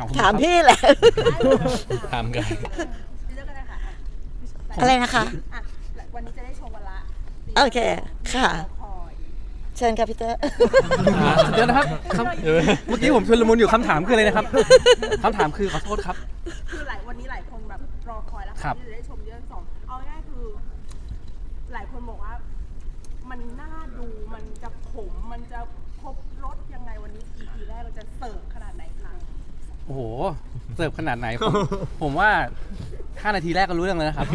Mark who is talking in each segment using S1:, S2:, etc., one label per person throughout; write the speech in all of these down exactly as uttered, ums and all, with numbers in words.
S1: ถามพี่แหละ
S2: ถามกัน
S3: เลือกกันเลยค่ะ
S1: อะไรนะคะ
S3: อ่ะวันนี้จะได้ชมวันละ
S1: โอเคค่ะ
S3: คอย
S1: เชิญค่ะพี่เตอร์
S4: เดี๋ยวนะครับคำเมื่อกี้ผมชุลมุนอยู่คำถามคืออะไรนะครับคำถามคือขอโทษครับ
S3: คือหลายวันนี้หลายคนแบบรอคอยแล้ว
S4: ครับ
S3: ที่จะได้ชมเรื่องสองเอาง่ายๆคือ หลายคนบอกว่า มันน่าดูมันจะขมมันจะครบรสยังไงวันนี้ อี พี แรกเราจะเสิร์ฟขนาดไหนคะ
S4: โอ้โหเสิร์ฟขนาดไหนผมผมว่าห้านาทีแรกก็รู้เรื่องแล้วนะครับ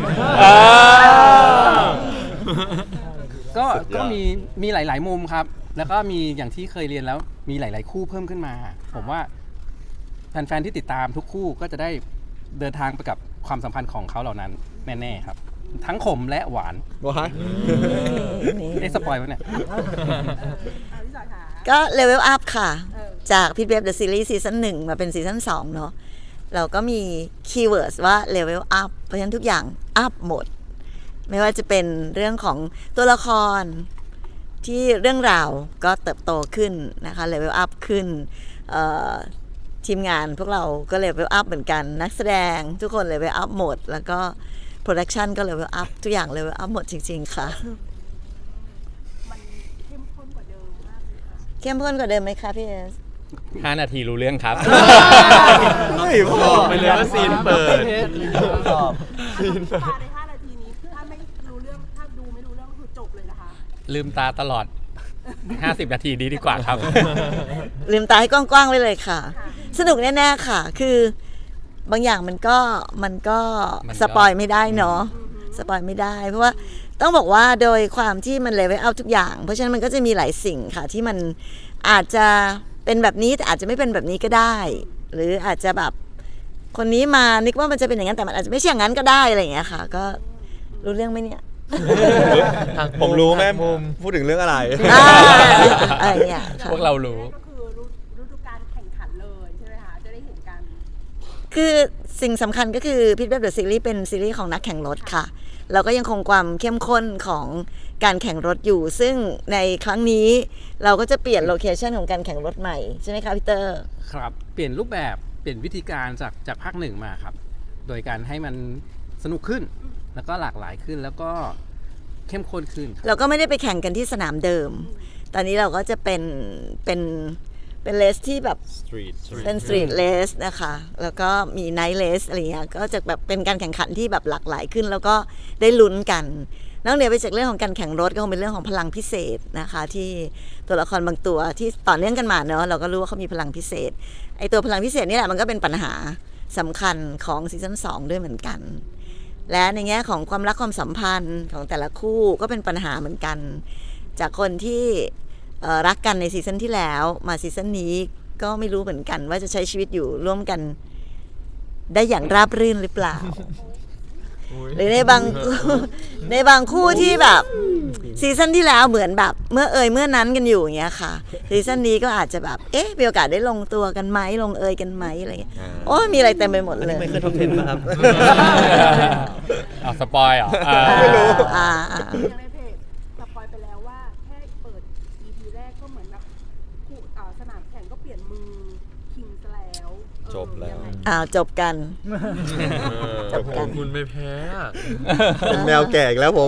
S4: ก็ก็มีมีหลาย ๆ มุมครับ แล้วก็มีอย่างที่เคยเรียนแล้วมีหลาย ๆ คู่เพิ่มขึ้นมา ผมว่าแฟน ๆ ที่ติดตามทุกคู่ก็จะได้เดินทางไปกับความสัมพันธ์ของเขาเหล่านั้นแน่ ๆ ครับ ทั้งขมและหวาน
S5: ว้าย
S4: ได้สปอยล์ไว้เนี่ย
S3: เอาพี่จอยค่ะ
S1: ก็เลเวลอัพค่ะ
S3: เออ
S1: จากพิทเว็บเดอะซีรีส์ซีซั่นหนึ่งมาเป็นซีซั่นสองเนาะเราก็มีคีย์เวิร์ดว่าเลเวลอัพเพราะฉะนั้นทุกอย่างอัพหมด ไม่ว่าจะเป็นเรื่องของตัวละครที่เรื่องราวก็เติบโตขึ้นนะคะเลเวลอัพขึ้นเอ่อทีมงานพวกเราก็เลเวลอัพเหมือนกันนักแสดงทุกคนเลเวลอัพหมด แล้วก็โปรดักชันก็เลเวลอัพทุกอย่างเลเวลอัพหมดจริง ๆ ค่ะ
S3: มันเข้มข้นกว่าเดิมมากเลยค่ะ
S1: เข้มข้นกว่าเดิมไหมคะพี่เอส
S2: ห้านาทีรู้เรื่องครับ
S5: เฮ้ยพ่อ
S2: ไปเลยว่าซีนเปิด
S5: ตอบ
S3: ซีนปาในห้านาทีนี้ถ้าไม่รู้เรื่องถ้าดูไม่รู้เรื่องก็คือจบเลยนะคะ
S2: ลืมตาตลอด ห้าสิบ นาทีดีดีกว่าครับ
S1: ลืมตาให้กว้างๆไว้เลยค่ะ สนุกแน่ๆค่ะ คือบางอย่างมันก็มันก็
S2: มันก็
S1: สปอยไม่ได้เนาะสปอยไม่ได้ เพราะว่าต้องบอกว่าโดยความที่มันเลเวลเอาทุกอย่าง เพราะฉะนั้นมันก็จะมีหลายสิ่งค่ะ ที่มันอาจจะเป็นแบบนี้แต่อาจจะไม่เป็นแบบนี้ก็ได้ หรืออาจจะแบบคนนี้มานึกว่ามันจะเป็นอย่างนั้นแต่มันอาจจะไม่ใช่อย่างนั้นก็ได้อะไรอย่างเงี้ยค่ะ ก็รู้เรื่องไหมเนี่ย
S5: ผมรู้แม่พูดถึงเรื่องอะไร
S1: อ่าอะไรอย่างเงี้ยค่ะ
S2: พวกเรารู้
S3: ก็คือฤฤดูการแข่งขันเลยใช่ไหมคะจะได้เห็นกัน
S1: คือสิ่งสำคัญก็คือพิทเว็บเดอะซีรีส์เป็นซีรีส์ของนักแข่งรถค่ะ เราก็ยังคงความเข้มข้นของการแข่งรถอยู่ ซึ่งในครั้งนี้เราก็จะเปลี่ยนโลเคชันของการแข่งรถใหม่ ใช่ไหมคะพี่เตอร์
S4: ครับเปลี่ยนรูปแบบเปลี่ยนวิธีการจากจากภาคหนึ่งมาครับ โดยการให้มันสนุกขึ้น แล้วก็หลากหลายขึ้นแล้วก็เข้มข้นขึ้นครับ
S1: เราก็ไม่ได้ไปแข่งกันที่สนามเดิม ตอนนี้เราก็จะเป็นเป็นเป็นเลสที่แบบ
S5: Street
S1: เป็นสตรีทเลสนะคะ แล้วก็มีไนท์เลสอะไรเงี้ย ก็จะแบบเป็นการแข่งขันที่แบบหลากหลายขึ้น แล้วก็ได้ลุ้นกัน นอกเหนือไปจากเรื่องของการแข่งรถก็คงเป็นเรื่องของพลังพิเศษนะคะ ที่ตัวละครบางตัวที่ต่อเนื่องกันมาเนอะเราก็รู้ว่าเขามีพลังพิเศษ ไอตัวพลังพิเศษนี่แหละมันก็เป็นปัญหาสำคัญของซีซั่นสองด้วยเหมือนกัน และในแง่ของความรักความสัมพันธ์ของแต่ละคู่ก็เป็นปัญหาเหมือนกัน จากคนที่เอ่อรักกันในซีซั่นที่แล้วมาซีซั่นนี้ก็ไม่รู้เหมือนกันว่าจะใช้ชีวิตอยู่ร่วมกันได้อย่างราบรื่นหรือเปล่า หรือในบาง ในบางคู่ที่แบบซีซั่นที่แล้วเหมือนแบบเมื่อเอ่ยเมื่อนั้นกันอยู่อย่างเงี้ยค่ะซีซั่นนี้ก็อาจจะแบบเอ๊ะมีโอกาสได้ลงตัวกันไหมลงเอยกันไหมอะไรเงี้ยโอ้ยมีอะไรเต็มไปหมดเลย
S5: ไม่เคยท็อปเทนป่ะครับ
S2: เอาสปอยเหรออ่า
S5: ไม่รู้
S1: อ่าอ่า
S3: อย่างในเพจสปอยไปแล้วว่าแค่เปิด อี พี แรกก็เหมือนแบบคู่อ่าสนามแข่งก็เปลี่ยนมือคิงซะแล้วเออ
S5: จบแล้ว
S3: ยังไง
S1: อ้าวจบกัน จบกัน
S6: คุณไม่แพ้อะ
S5: เป็นแมวแก่อีกแล้วผม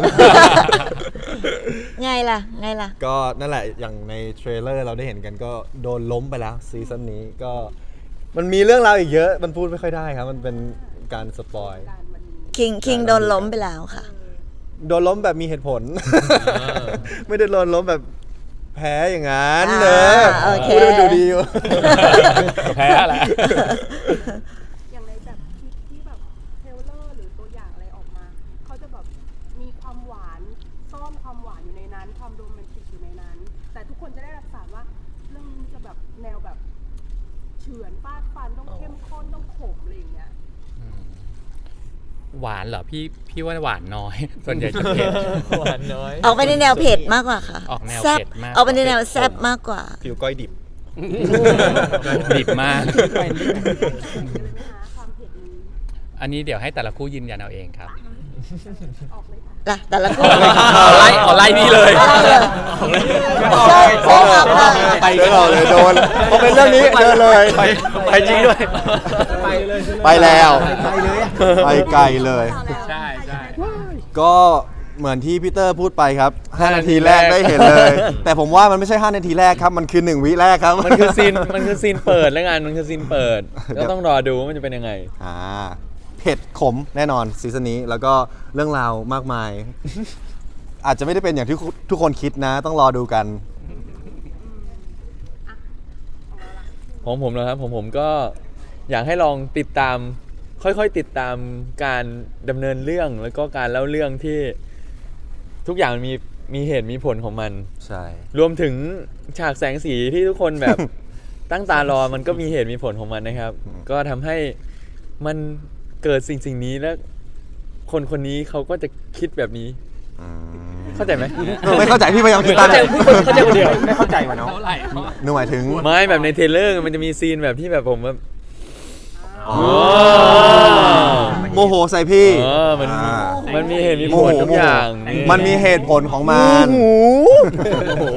S1: ไงล่ะไงล่ะ
S5: ก็นั่นแหละอย่างในเทรลเลอร์เราได้เห็นกันก็โดนล้มไปแล้วซีซั่นนี้ก็มันมีเรื่องราวอีกเยอะ มันพูดไม่ค่อยได้ครับ มันเป็นการสปอย
S3: การวันนี้
S1: คิงคิงโดนล้มไปแล้วค่ะ
S5: โดนล้มแบบมีเหตุผล ไม่ได้โดนล้มแบบแพ้อย่างนั้น
S1: อ่า
S5: เนอะ
S1: โอเค
S5: พูดให้มันดูดีอยู่
S2: แพ้แหละ
S3: อย่างในแบบคลิปที่แบบเทรลเลอร์หรือตัวอย่างอะไรออกมาเขาจะแบบมีความหวานซ่อนความหวานอยู่ในนั้น ความโรแมนติกอยู่ในนั้น แต่ทุกคนจะได้รับสารว่าเรื่องนี้จะแบบแนวแบบเฉือนฟาดฟันต้องเข้มข้นต้องขมอะไรอย่างเงี้ย
S2: หวานเหรอพี่พี่ว่าหวานน้อย ส่วนใหญ่จะเผ็ด
S6: หวานน้อย
S1: ออกไปในแนวเผ็ดมากกว่าค่ะ
S2: ออกแนว
S1: ซ่บ
S2: เผ็ดมาก
S1: ออกไปในแนวแซ่บมากกว่า
S5: ผิวก้อยดิบ
S2: ดิบมาก
S3: เลยไหมคะความเผ็ดนี้
S2: อันนี้เดี๋ยวให้แต่ละคู่ยืนยันเอาเองครับ
S3: ออกเลยค่ะ
S1: ล่ะแต่ละคู่
S2: เอาไล่เอาไล่นี่เลย
S1: ใช่ใช่ออกมา
S5: ไปเดินเราเลยโดนพอเป็นเรื่องนี้เดินเลย
S2: ไปไปจริงด้วย
S5: ไปแล้วไปไกลเลย
S2: ใช่ใช่
S5: ก็เหมือนที่พีเตอร์พูดไปครับห้านาทีแรกได้เห็นเลย แต่ผมว่ามันไม่ใช่ห้านาทีแรกครับมันคือหนึ่งวิแรกครับ
S6: มันคือซีน มันคือซีนเปิดแล้วกันมันคือซีนเปิด ก็ต้องรอดูว่ามันจะเป็นยังไง
S5: อ่าเผ็ดขมแน่นอนซีซั่นนี้แล้วก็เรื่องราวมากมาย อาจจะไม่ได้เป็นอย่างที่ทุกคนคิดนะ ต้องรอดูกัน
S6: ของผมนะครับผมผมก็อยากให้ลองติดตาม ค่อยๆติดตามการดำเนินเรื่องแล้วก็การเล่าเรื่องที่ทุกอย่างมันมีมีเหตุมีผลของมัน
S5: ใช่
S6: รวมถึงฉากแสงสีที่ทุกคนแบบ ตั้งตารอมันก็มีเหตุมีผลของมันนะครับ ก็ทำให้มันเกิดสิ่งสิ่งนี้แล้วคนคนนี้เขาก็จะคิดแบบนี้
S5: อืม
S6: เข้าใจไหม
S5: เออไม่เข้าใจพี่พยายามคิดตาม
S6: เข้าใจพูดคนเข้าใจคนเดียว
S4: ไม่เข้าใจว่ะเนาะ
S2: เท่าไหร่
S5: นึกหมายถึง
S6: ไม่แบบในเทรลเลอร์มันจะมีซีนแบบที่แบบผมแบบ
S5: อ๋อโมโหใส่พี่
S6: เออมัน
S5: อ่า
S6: มันมีเหตุมี
S5: โม
S6: ผ
S5: โห
S6: ลทุกอย่าง
S5: มันมีเหตุผลของมัน
S6: โอ้โห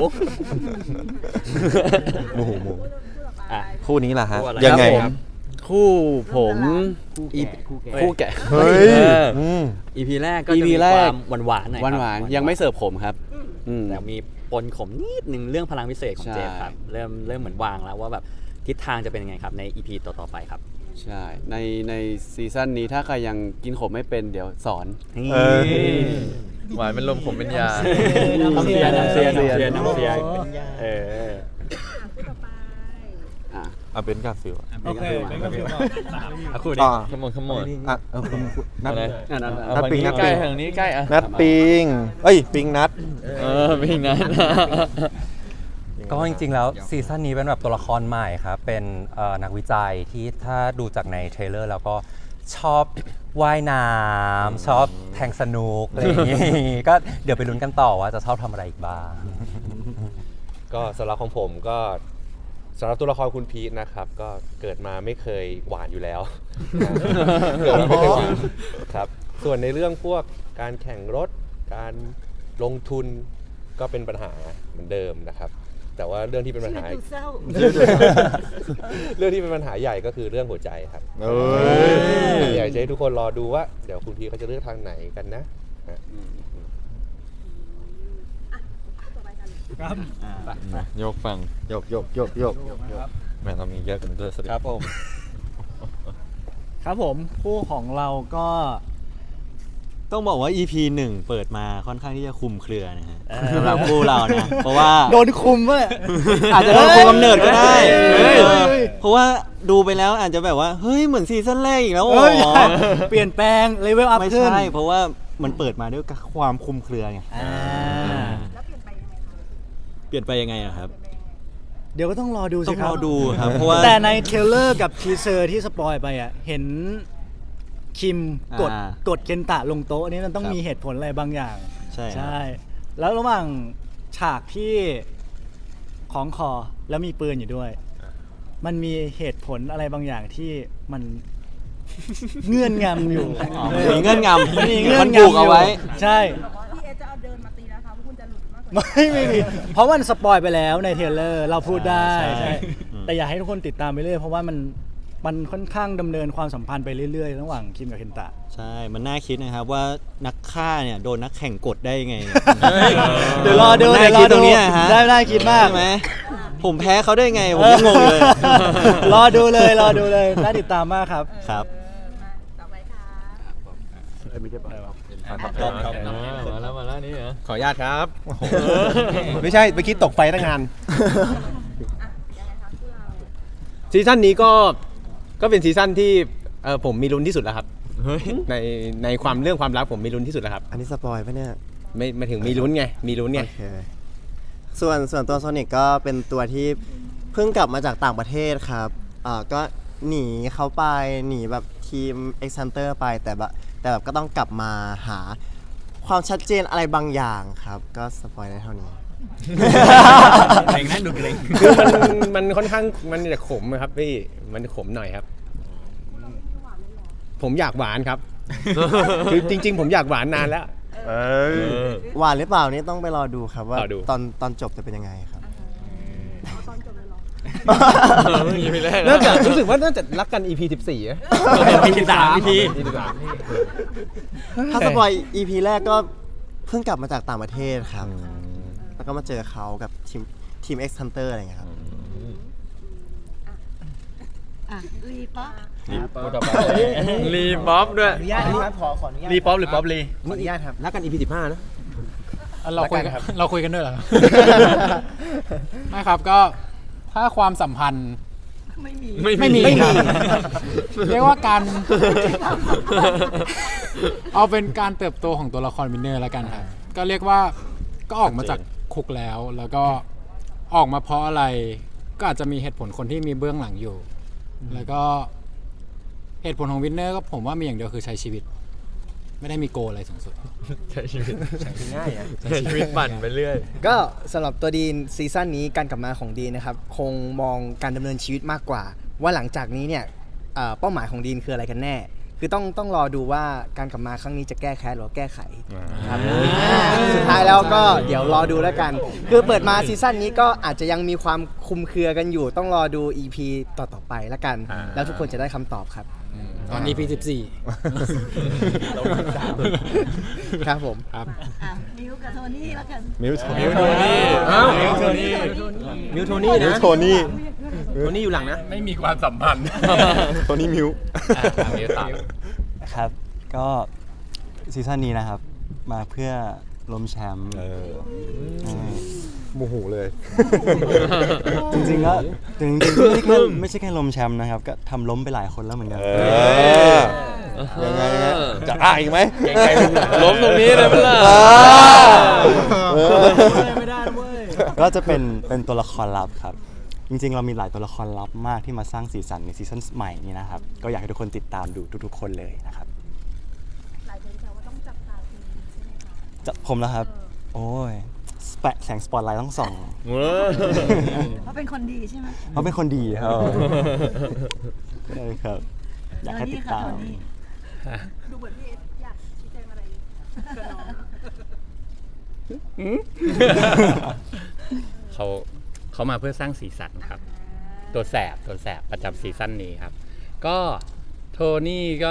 S5: โมโหโมโห
S6: อ่ะ
S5: คู่นี้ล่ะฮะ
S6: คู่อะไร
S5: ยังไง
S6: ครับผม
S7: คู่ผมอี
S6: คู่แกะ
S5: เฮ้ย
S6: เออ
S5: อืม
S7: อีพีแรกก็
S8: อี
S7: จะ
S8: พี
S7: มี
S8: แร
S7: ค
S8: ก
S7: วามหวานหวานๆหน่อย
S8: หวานหวาน
S7: ครับ
S8: ยังไม่เสิร์ฟผมครับอืม
S7: แต่มีปนขมนิดนึงเรื่องพลังพิเศษของ
S8: ใช่
S7: เจฟครับเริ่มเริ่มเหมือนวางแล้วว่าแบบทิศทางจะเป็นยังไงครับในอีพีต่อๆไปครับ
S8: ใช่ในในซีซั่นนี้ถ้าใครยังกินขมไม่เป็นเดี๋ยวสอน
S5: เออ
S6: หวานเป็นลมผมเป็นยา
S7: น้ำเสียน้ำเสียน้ำเสียน้ำเสีย
S6: เออ
S3: คู่ต่อไป
S8: อ่ะ
S5: อ่ะเป็นกาฟิล
S2: โอเคเป็นก็ฟิลก่อนสาม
S6: เอาคู่ดิ
S5: อ่า
S6: ขโมยขโมย
S5: อ่ะเออคุณคุณนัด
S6: อะไร
S8: อ่ะนัด
S6: เอา
S5: นัด
S6: ฝั่ง
S5: ปิง
S6: นี้
S5: นัด
S6: ใกล้
S5: ปิง
S6: ทางนี้ใกล้อ่ะ
S5: นัดปิงเอ้ยปิงนัด
S6: เออปิงนั้น
S9: ก็จริงๆ แล้วซีซั่นนี้เป็นแบบตัวละครใหม่ครับ เป็นเอ่อนักวิจัยที่ถ้าดูจากในเทรลเลอร์แล้วก็ชอบว่ายน้ำชอบแทงสนุกอะไรอย่างงี้ ก็เดี๋ยวไปลุ้นกันต่อว่าจะชอบทำอะไรอีกบ้าง
S10: ก็สำหรับของผมก็สำหรับตัวละครคุณพีทนะครับ ก็เกิดมาไม่เคยหวานอยู่แล้ว เกิดมาไม่เคยหวานครับ ส่วนในเรื่องพวกการแข่งรถ การลงทุนก็เป็นปัญหาเหมือนเดิมนะครับ แต่ว่าเรื่องที่เป็นปัญหา
S1: ดูเศร้า
S10: เรื่องที่เป็นปัญหาใหญ่ก็คือเรื่องหัวใจครับ
S5: เอ้ย
S10: อยากจะให้ทุกคนรอดูว่าเดี๋ยวคุณพีทเขาจะเลือกทางไหนกันนะ
S3: คู่ต่อไปกัน
S2: ครับ
S6: ยกฟัง
S5: โยกโยกโยกโยกแม่เรามีเยอะกันด้วยสวัสดี
S6: ครับผม
S7: ครับผมคู่ของเราก็
S8: ต้องบอกว่า อี พี หนึ่งเปิดมาค่อนข้างที่จะคุมเครือนะฮะสำหรับคู่เรานะ เพราะว่า
S7: โดนคุมเว้ย
S8: อาจจะโดนคุมกำเนิดก็ได้
S7: เฮ้ย
S8: เออเพราะว่าดูไปแล้วอาจจะแบบว่าเฮ้ยเหมือนซีซั่นแรกอีกแล้วอ๋
S7: เอ้ย
S8: อ
S7: เปลี่ยนแปลงเลเวลอัพ
S8: ไม่
S7: ขึ้น
S8: ใช่เพราะว่ามันเปิดมาด้วยความคุมเครือไง
S7: อ่า
S3: แล้วเปลี่ยนไปยังไงคะ
S8: เปลี่ยนไปยังไงอะครับ
S7: เดี๋ยวก็ต้องรอดู
S8: ต้
S7: สิ
S8: อง
S7: ค
S8: ร
S7: รั
S8: อบ ดูครับเพราะว่า
S7: แต่ในเทรลเลอร์กับทีเซอร์ที่สปอยไปอ่ะ เห็นคิมกด
S8: อ่าก
S7: ดเคนตะลงโต๊ะอันนี้มันต้อง
S8: ครับ
S7: มีเหตุผลอะไรบางอย่าง
S8: ใช่ครับ
S7: ใช่ แล้วระหว่างฉากที่ของคอแล้วมีปืนอยู่ด้วย มันมีเหตุผลอะไรบางอย่างที่มัน เงื่อนงำอยู่
S8: มีเงื่อนงำ
S7: มันมีเงื่อน
S8: มัน
S7: งำ
S8: ผูกเอาไว้
S7: ใช่
S3: พี่เอจะเอาเดินมาตีนะคะว่าคุณจะหลุดมากกว่า
S7: ไม่ไม่มีเพราะมันสปอยไปแล้วในเทรลเลอร์เราพูดได้
S8: ใช่
S7: ใช่
S8: อืม
S7: แต่อยากให้ทุกคนติดตามไปเรื่อยเพราะว่ามันมันค่อนข้างดำเนินความสัมพันธ์ไปเรื่อยๆ ระหว่างคิมกับเคนตะ
S8: ใช่ มันน่าคิดนะครับว่านักฆ่าเนี่ยโดนนักแข่งกดได้ยังไงเนี่ย
S7: เดี๋ยวรอดู
S8: มัน
S7: เดี๋
S8: น่า
S7: ยวรอ
S8: คิดตรงเนี้ยฮะ
S7: ได้ได้คิดมาก
S8: ใช่ไหมผมแพ้เขาได้ไง ผมยังงงเลย
S7: รอดูเลยรอดูเลยน่าติดตามมากครับ
S8: ครับ
S3: มาต่อไปค่ะ
S6: มาแล้วมาแล้วนี่เหรอ
S11: ขออนุญาตครับ ไม่ใช่เมื่อกี้ตกไฟตั้งงาน
S3: อ่ะยังไงคะคู่เรา
S11: ซีซั่นนี้ก็ก็เป็นซีซั่นที่เออผมมีลุ้นที่สุดแล้วครับในในความเรื่องความรักผมมีลุ้นที่สุดแล้วครับ
S5: อันนี้สปอยปะเนี่ย
S11: ไม่ไม่ถึงมีลุ้นไงมีลุ้นไง
S5: โอเคส่วนส่วนตัวโซนิกก็เป็นตัวที่เพิ่งกลับมาจากต่างประเทศครับอ่าก็หนีเขาไปหนีแบบทีม X Hunter ไปแต่แบบแต่แบบก็ต้องกลับมาหาความชัดเจนอะไรบางอย่างครับ ก็สปอยได้เท่านี้
S2: เกรงนั่นดูเกรง
S11: คือมันมันค่อนข้างมันจะขมอะครับพี่มันขมหน่อยครับ ผมอยากหวานครับคือจริง ๆ ผมอยากหวานนานแล้ว
S5: เออหวานหรือเปล่านี่ต้องไปรอดูครับว่าร
S10: อดู
S5: ตอนตอนจบจะเป็นยังไงครับ
S3: เอาตอนจบเลยเหรอ
S6: อีพีแรก
S11: น่าจะรู้สึกว่าน่าจะรักกัน อี พี สิบสี่อะ
S2: อีพีสิบสาม อี พี
S5: ถ้าสปอย อี พี แรกก็เพิ่งกลับมาจากต่างประเทศครับ แล้วก็มาเจอเขากับทีมทีม X Hunter อะไรอย่างเงี้ยครับ
S1: อ่ะรีป๊อป
S6: รีบ๊อบด้วย
S11: อนุญาตนะครับขอขออนุญาต
S2: รีป๊อปหรือป๊อปรี
S11: ขออนุญาตครับรักกัน อี พี สิบห้านะ
S2: เราคุยกัน
S11: แล้วกันครับ
S2: เราคุยกันด้วยเหรอ ไม่ครับก็ถ้าความสัมพันธ์
S1: ไม่มี
S2: ไม่มีครับเรียกว่าการ เอาเป็นการเติบโตของตัวละครวินเนอร์แล้วกันครับ ก็เรียกว่าก็ออกมาจากคุกแล้ว แล้วก็ออกมาเพราะอะไร ก็อาจจะมีเหตุผลคนที่มีเบื้องหลังอยู่ แล้วก็เหตุผลของวินเนอร์ก็ผมว่ามีอย่างเดียวคือใช้ชีวิต ไม่ได้มีโกลอะไรสูงสุด
S6: ใช้ชีวิต
S11: ง่ายอ่ะ
S6: ใช้ชีวิตปั่นไปเรื่อย
S12: ก็สำหรับตัวดีนซีซั่นนี้การกลับมาของดีนนะครับคงมองการดำเนินชีวิตมากกว่า ว่าหลังจากนี้เนี่ยเอ่อเป้าหมายของดีนคืออะไรกันแน่ คือต้องต้องรอดูว่าการกลับมาครั้งนี้จะแก้แค้นหรือแก้ไขครับสุดท้ายแล้วก็เดี๋ยวรอดูแล้วกัน คือเปิดมาซีซั่นนี้ก็อาจจะยังมีความคลุมเครือกันอยู่ ต้องรอดู อี พี ต่อๆไปแล้วกัน แล้วทุกคนจะได้คำตอบครับ
S2: ตอน อี พี สิบสี่
S12: ครับผม
S2: ครับ
S1: อ่ะมิวกับโทนี่แล้วกัน
S5: มิวโท
S6: มิวโทนี่
S11: อ้าว
S6: มิวโทนี่
S11: มิวโทนี่
S5: มิ
S11: นะ
S5: วโทนี่
S11: โทนี่อยู่หลังนะ
S2: ไม่มีความสัมพันธ์
S5: โทนี่มิว
S2: อ่ะมิวตาม
S8: ครับ ก็ซีซั่นนี้นะครับ มาเพื่อล้มแชมป์อืม
S5: โมโหเลย
S8: จริงๆก็จริงๆไม่ใช่แค่ไม่ใช่แค่ล้มแชมป์นะครับ ก็ทำล้มไปหลายคนแล้วเหมือนกัน
S5: เออ ยังไงยังไงจะอ้าอีกไหม
S6: เก่งใจล้มตรงนี้เลยมั้ยล่ะ
S5: เออ
S7: ไม่ได้เว้ย
S8: ก็จะเป็นเป็นตัวละครลับครับ จริงๆ เรามีหลายตัวละครลับมากที่มาสร้างสีสันในซีซั่นใหม่นี้นะครับ ก็อยากให้ทุกคนติดตามดูทุกๆ คนเลยนะครับ
S3: หลายคนแซวว่าต้องจับตาคุณใช่ไหมคะ
S8: จะผมแล้วครับ โอ้ยแปะแสงสปอตไลท์ต้องส่อง
S1: เพราะเป็นคนดีใช่ไหม
S8: เพราะเป็นคนดีครับใช่ครับ อยากให้ติดตาม
S1: โทนี่ค่ะ
S3: ดูเหมือนพี่เอสอยากชี้แจงอะไรกับน้อง
S2: เขาเขามาเพื่อสร้างสีสันครับ ตัวแสบตัวแสบประจำซีซั่นนี้ครับ ก็โทนี่ก็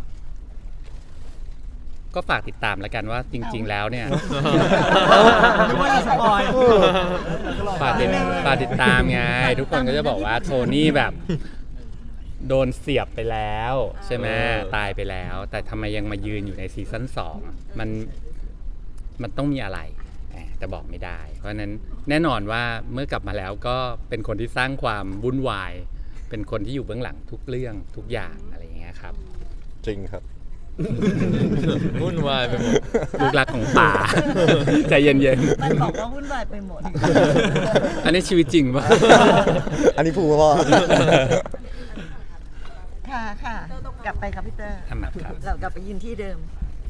S2: ก็ฝากติดตามแล้วกันว่าจริง ๆ แล้วเนี่ย
S7: ไม่ว่าจะสปอย
S2: ฝากติดฝากติดตามไง ทุกคนก็จะบอกว่าโทนี่แบบ โดนเสียบไปแล้วใช่ไหมตายไปแล้ว แต่ทำไมยังมายืนอยู่ในซีซั่นสองมันมันต้องมีอะไรแต่บอกไม่ได้ เพราะฉะนั้นแน่นอนว่าเมื่อกลับมาแล้วก็เป็นคนที่สร้างความวุ่นวาย เป็นคนที่อยู่เบื้องหลังทุกเรื่องทุกอย่างอะไรอย่างเงี้ยครับ
S5: จริงครับ
S6: วุ่นวายไปหมด
S2: ลูกรักของป่า ใจเย็น
S1: มันบอกว่าวุ่นวายไปหมด
S2: ๆ อันนี้ชีวิตจริงปะ
S5: อันนี้พูดพ่อ
S1: ค่ะค่ะกลับไปครับพี่เตอร์
S2: ทำหนักครับ
S1: เรากลับไปยืนที่เดิม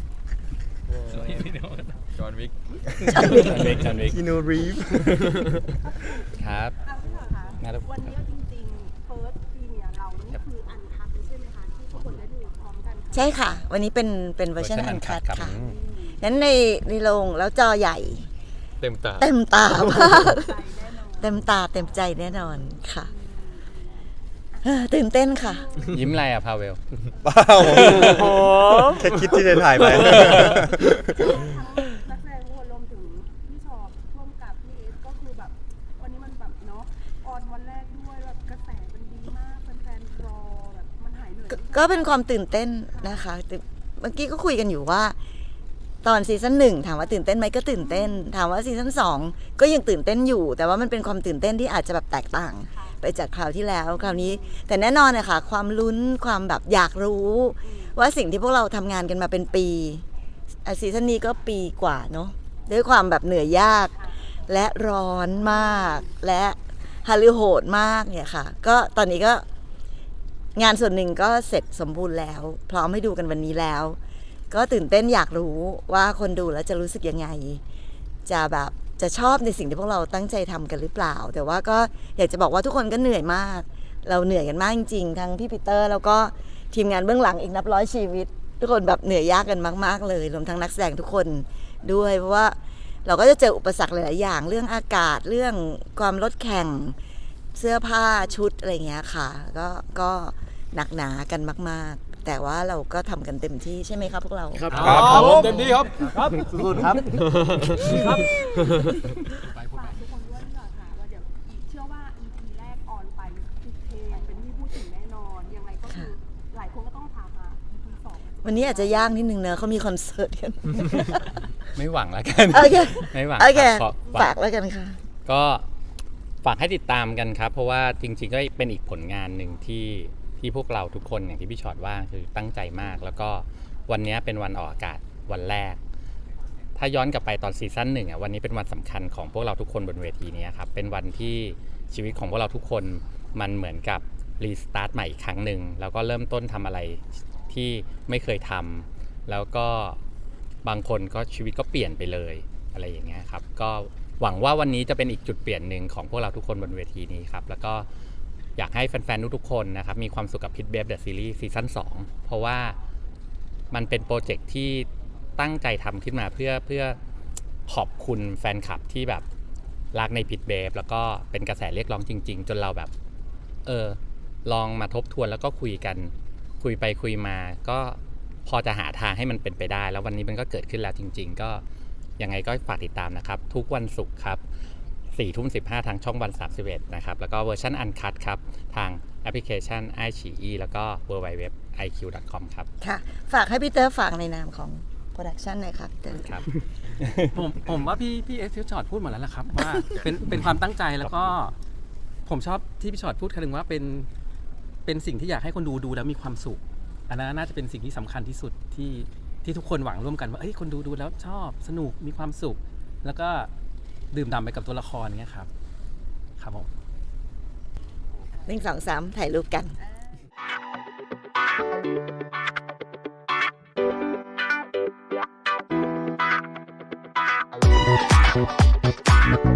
S6: จอห์นวิก
S2: จอห์นวิกจอห์นวิก
S5: คินูรีฟ
S2: ครับ
S3: เอาพี่เหรอคะ
S2: งั้น
S3: วันนี้จริงๆ First Premiere เรานี่คืออันคัดใช่ไหมคะที่ทุกคนได้ดูพร้อมกัน
S1: ใช่ค่ะ วันนี้เป็นเป็นเวอร์ชัน
S2: เวอร์ชัน
S1: อันคัด
S2: uncut ครับ
S1: ค่ะนั้นในในโรงแล้วจอใหญ่
S6: เต็มตา
S1: เต็มตามาก เต็มตาเต็มใจแน่นอนค่ะเอ้อตื่นเต้นค่ะ
S2: ยิ้มอะไรอะพาเวล
S5: เปล่าแค่คิดที่จะถ่ายไป
S3: นักแสดงทุกคนรวมถึงพี่ชอบร่วมกับพี่เอสก็คือแบบวันนี้มันแบบเนาะออนวันแรกด้วยแบบกระแสมันดีมากแฟนๆรอแบบมันหายเหนื่อย
S1: ก็ก็เป็นความตื่นเต้นนะคะแต่เมื่อกี้ก็คุยกันอยู่ว่า ตอนซีซั่นหนึ่งถามว่าตื่นเต้นไหมก็ตื่นเต้น ถามว่าซีซั่นสองก็ยังตื่นเต้นอยู่ แต่ว่ามันเป็นความตื่นเต้นที่อาจจะแบบแตกต่าง ไปจากคราวที่แล้วคราวนี้ แต่แน่นอนนะคะความลุ้นความแบบอยากรู้ ว่าสิ่งที่พวกเราทำงานกันมาเป็นปีอ่ะซีซั่นนี้ก็ปีกว่าเนาะด้วยความแบบเหนื่อยยาก และร้อนมาก และฮาลือโหดมากเนี่ยค่ะ ก็ตอนนี้ก็งานส่วนหนึ่งก็เสร็จสมบูรณ์แล้ว พร้อมให้ดูกันวันนี้แล้ว ก็ตื่นเต้นอยากรู้ว่าคนดูแล้วจะรู้สึกยังไง จะแบบจะชอบในสิ่งที่พวกเราตั้งใจทำกันหรือเปล่า แต่ว่าก็อยากจะบอกว่าทุกคนก็เหนื่อยมาก เราเหนื่อยกันมากจริงๆทั้งพี่ปีเตอร์แล้วก็ทีมงานเบื้องหลังอีกนับร้อยชีวิตทุกคนแบบเหนื่อยยากกันมากๆเลยรวมทั้งนักแสดงทุกคนด้วยเพราะว่าเราก็จะเจออุปสรรคหลายๆอย่างเรื่องอากาศเรื่องความลดแข่งเสื้อผ้าชุดอะไรเงี้ยค่ะก็ก็หนักหนากันมากๆ แต่ว่าเราก็ทำกันเต็มที่ใช่ไหมครับพวกเรา
S11: ครับครับผมเต็มที่ครับครับสุดๆครับ
S3: ฝากทุกคนด้วยดีกว่าค่ะว่าเดี๋ยวอีกเชื่อว่า อี พี แรกออนไปทุกเพลงเป็นที่พูดถึงแน่นอนยังไงก็คือหลายคนก็ต้องถามหา อี พี สอง
S1: วันนี้อาจจะยากนิดนึงเนอะเขามีคอนเสิร์ตกัน
S2: ไม่หวังแล้วกัน
S1: โอเค
S2: ไม่หวัง
S1: โอเค
S2: ครับขอ
S1: ฝากแล้วกันค่ะ
S2: ก็ฝากให้ติดตามกันครับ เพราะว่าจริงๆก็เป็นอีกผลงานหนึ่งที่ที่พวกเราทุกคนอย่างที่พี่ชอตว่าคือตั้งใจมาก แล้วก็วันนี้เป็นวันออกอากาศวันแรก ถ้าย้อนกลับไปตอนซีซั่นหนึ่งอ่ะวันนี้เป็นวันสำคัญของพวกเราทุกคนบนเวทีนี้ครับเป็นวันที่ชีวิตของพวกเราทุกคนมันเหมือนกับรีสตาร์ทใหม่อีกครั้งหนึ่งแล้วก็เริ่มต้นทำอะไรที่ไม่เคยทำแล้วก็บางคนก็ชีวิตก็เปลี่ยนไปเลยอะไรอย่างเงี้ยครับก็หวังว่าวันนี้จะเป็นอีกจุดเปลี่ยนหนึ่งของพวกเราทุกคนบนเวทีนี้ครับแล้วก็อยากให้แฟนๆทุกๆคนนะครับมีความสุขกับ Pit Babe The Series ซีซั่นสองเพราะว่ามันเป็นโปรเจกต์ที่ตั้งใจทำขึ้นมาเพื่อเพื่อขอบคุณแฟนคลับที่แบบรักใน Pit Babe แล้วก็เป็นกระแสเรียกร้องจริงๆจนเราแบบเออลองมาทบทวนแล้วก็คุยกันคุยไปคุยมาก็พอจะหาทางให้มันเป็นไปได้แล้ววันนี้มันก็เกิดขึ้นแล้วจริงๆก็ยังไงก็ฝากติดตามนะครับทุกวันศุกร์ครับสี่ทุ่มสิบห้าทางช่องวันสามสิบเอ็ดนะครับแล้วก็เวอร์ชันอันคัทครับทางแอปพลิเคชัน ไอ ซี อี แล้วก็ ดับเบิลยู ดับเบิลยู ดับเบิลยู ดอท ไอ คิว ดอท คอม ครับ
S1: ค่ะฝากให้พี่เตอร์ฝากในนามของโปรดักชันหน่อยครับเตอร์
S2: ครับ
S4: ผมผมว่าพี่พี่เอสพี่ชอตพูดหมดแล้วล่ะครับว่าเป็นเป็นความตั้งใจแล้วก็ผมชอบที่พี่ชอตพูดคำนึงว่าเป็นเป็นสิ่งที่อยากให้คนดูดูแล้วมีความสุขอันนั้นน่าจะเป็นสิ่งที่สำคัญที่สุดที่ที่ทุกคนหวังร่วมกันว่าเอ้ยคนดูดูแล้วชอบสนุกมีความสุข แล้วก็ดื่มด่ำไปกับตัวละครเงี้ยครับครับผม
S1: หนึ่งสองสามถ่ายรูปกัน
S13: Thank you.